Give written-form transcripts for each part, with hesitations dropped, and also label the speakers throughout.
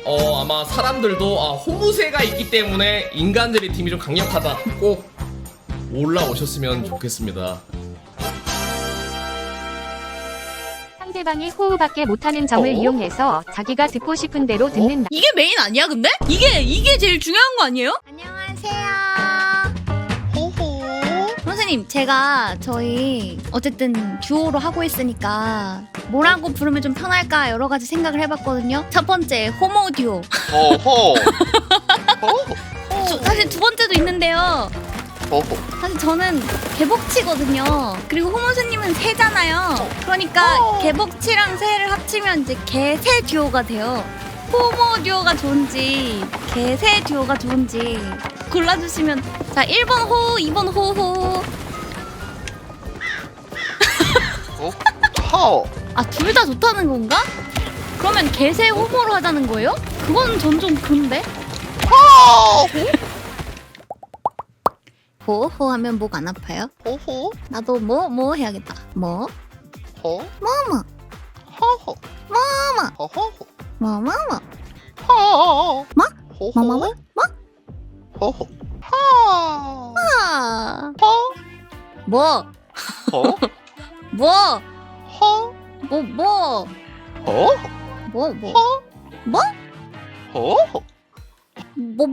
Speaker 1: 아마 사람들도 호무새가 있기 때문에 인간들의 팀이 좀 강력하다. 꼭 올라오셨으면 좋겠습니다.
Speaker 2: 상대방이 호흡밖에 못하는 점을 이용해서 자기가 듣고 싶은 대로 듣는다.
Speaker 3: 이게 메인 아니야 근데? 이게 제일 중요한 거 아니에요?
Speaker 4: 안녕하세요. 선생님, 제가 저희 어쨌든 듀오로 하고 있으니까 뭐라고 부르면 좀 편할까 여러 가지 생각을 해봤거든요. 첫 번째, 호모 듀오. 사실 두 번째도 있는데요. 사실 저는 개복치거든요. 그리고 호모새님은 새잖아요. 그러니까 개복치랑 새를 합치면 이제 개새 듀오가 돼요. 호모 듀오가 좋은지 개새 듀오가 좋은지 골라주시면. 자, 1번 호, 2번 호호. 둘 다 좋다는 건가? 그러면 개새 호모로 하자는 거예요? 그건 전 좀 그런데? 호호 하면 목 안 아파요?
Speaker 5: 호호
Speaker 4: 나도 뭐 해야겠다. 뭐?
Speaker 5: 호
Speaker 4: 뭐뭐
Speaker 5: 호호
Speaker 4: 뭐뭐
Speaker 5: 호호
Speaker 4: 뭐뭐뭐
Speaker 5: 호
Speaker 4: 뭐?
Speaker 5: 호호
Speaker 4: 뭐뭐뭐 뭐?
Speaker 5: 호호
Speaker 4: 아.
Speaker 5: 호
Speaker 4: 뭐?
Speaker 5: 호
Speaker 4: 뭐?
Speaker 5: 호
Speaker 4: 뭐? 뭐?
Speaker 5: 호
Speaker 4: 뭐? 뭐?
Speaker 5: 호
Speaker 4: 뭐?
Speaker 5: 호호
Speaker 4: 뭐?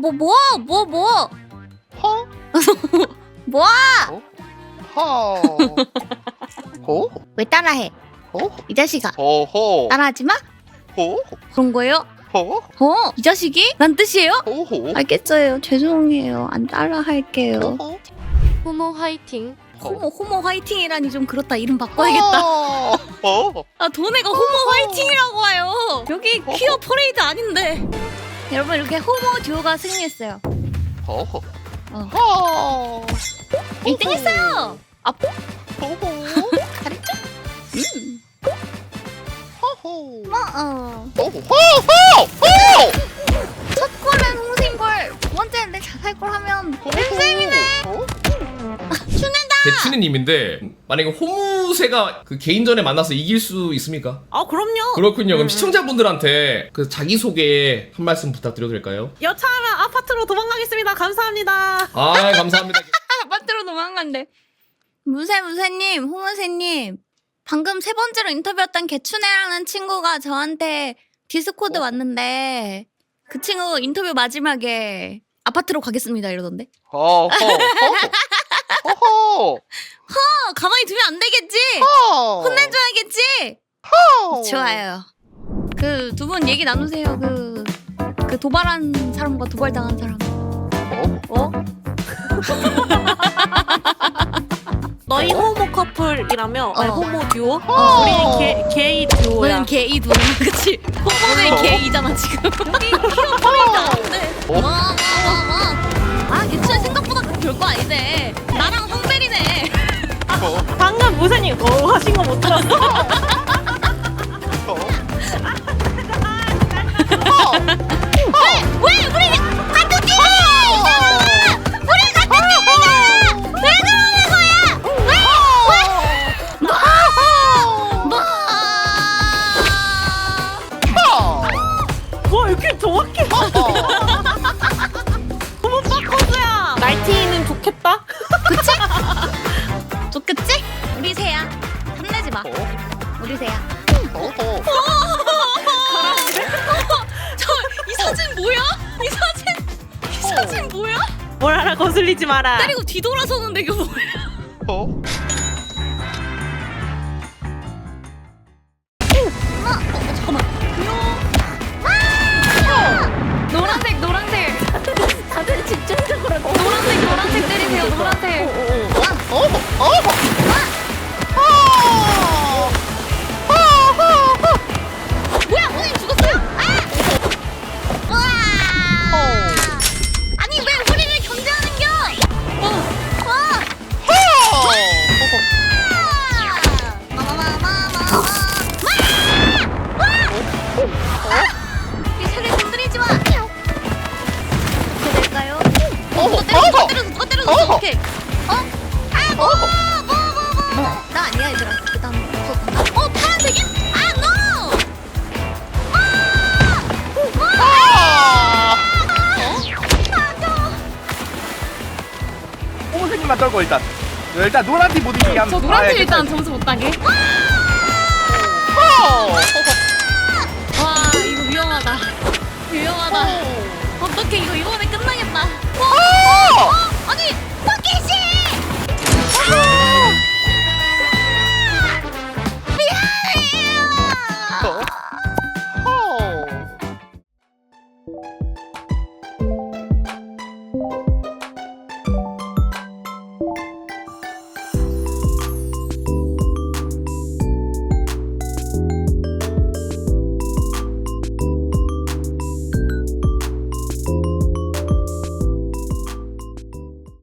Speaker 5: 호
Speaker 4: 뭐야?
Speaker 5: 호 호
Speaker 4: 왜 따라해?
Speaker 5: 호
Speaker 4: 이 자식아.
Speaker 5: 호호
Speaker 4: 따라하지 마?
Speaker 5: 호
Speaker 4: 그런 거예요?
Speaker 5: 호
Speaker 4: 이 자식이? 란 뜻이에요?
Speaker 5: 호호
Speaker 4: 알겠어요. 죄송해요. 안 따라 할게요.
Speaker 5: 호호
Speaker 2: 호모 화이팅.
Speaker 4: 호모 화이팅이라니 좀 그렇다. 이름 바꿔야겠다.
Speaker 5: 호호
Speaker 4: 도네가 호모 화이팅이라고 와요. 여기 퀴어 퍼레이드 아닌데. 여러분, 이렇게 호모 듀오가 승리했어요.
Speaker 5: 호호
Speaker 4: 어.
Speaker 5: 호
Speaker 4: 1등 했어요.
Speaker 5: 호호
Speaker 4: 잘했죠?
Speaker 5: 호호
Speaker 4: 뭐,
Speaker 5: 호호
Speaker 4: 첫 골은 홍신골, 두 번째는 내 자살골 하면 쌤이네.
Speaker 1: 대추니님인데 만약에 호무새가 그 개인전에 만나서 이길 수 있습니까?
Speaker 3: 그럼요.
Speaker 1: 그렇군요. 그럼 시청자분들한테 그 자기소개 한 말씀 부탁드려도 될까요?
Speaker 3: 여차하면 아파트로 도망가겠습니다. 감사합니다.
Speaker 1: 감사합니다.
Speaker 4: 아파트로 도망간대. 무새님, 호무새님, 방금 세 번째로 인터뷰했던 개추네라는 친구가 저한테 디스코드 왔는데 그 친구 인터뷰 마지막에 아파트로 가겠습니다 이러던데.
Speaker 5: 호호
Speaker 4: 가만히 두면 안 되겠지? 혼내줘야겠지? 좋아요. 그 두 분 얘기 나누세요. 그 도발한 사람과 도발당한 사람.
Speaker 3: 너희 호모 커플이라며? 아니,
Speaker 4: 어.
Speaker 3: 호모 듀오? 우리는 게이 듀오야.
Speaker 4: 너는 게이 누나, 그치? 호모는 게이잖아 지금. 여기 퀴어 퍼레이드 안 돼. 개추네 생각보다 별거 아니네. 나랑 황벨이네.
Speaker 3: 방금 무쇠님 하신 거 못 들었어?
Speaker 4: 왜 우리 같은 팀이잖아! 우리 같은 팀이잖아! 왜 그러는 거야?
Speaker 3: 와, 이렇게 정확해. 호모 빠커즈야. 날티는 좋겠다.
Speaker 4: 좋겠지? 우리 새야. 탐내지 마. 우리 새야. 이 사진 뭐야? 이 사진 뭐야?
Speaker 3: 뭘 하나 거슬리지 마라.
Speaker 4: 때리고 뒤돌아서는데 이게 뭐야? 잠깐만. 노란색. 다들 집중적으로 노란색 때리세요. 노란색. 뭐야, 선생님 죽었어요? 아니 왜 우리를 견제하는겨?
Speaker 6: 팀만 떨고 일단 노란 팀 못 이기게 하면.
Speaker 3: 저 노란 팀 일단 점수 못 따게. 와 이거 위험하다. 위험하다. 어떡해 이거 이번에 끝나겠다.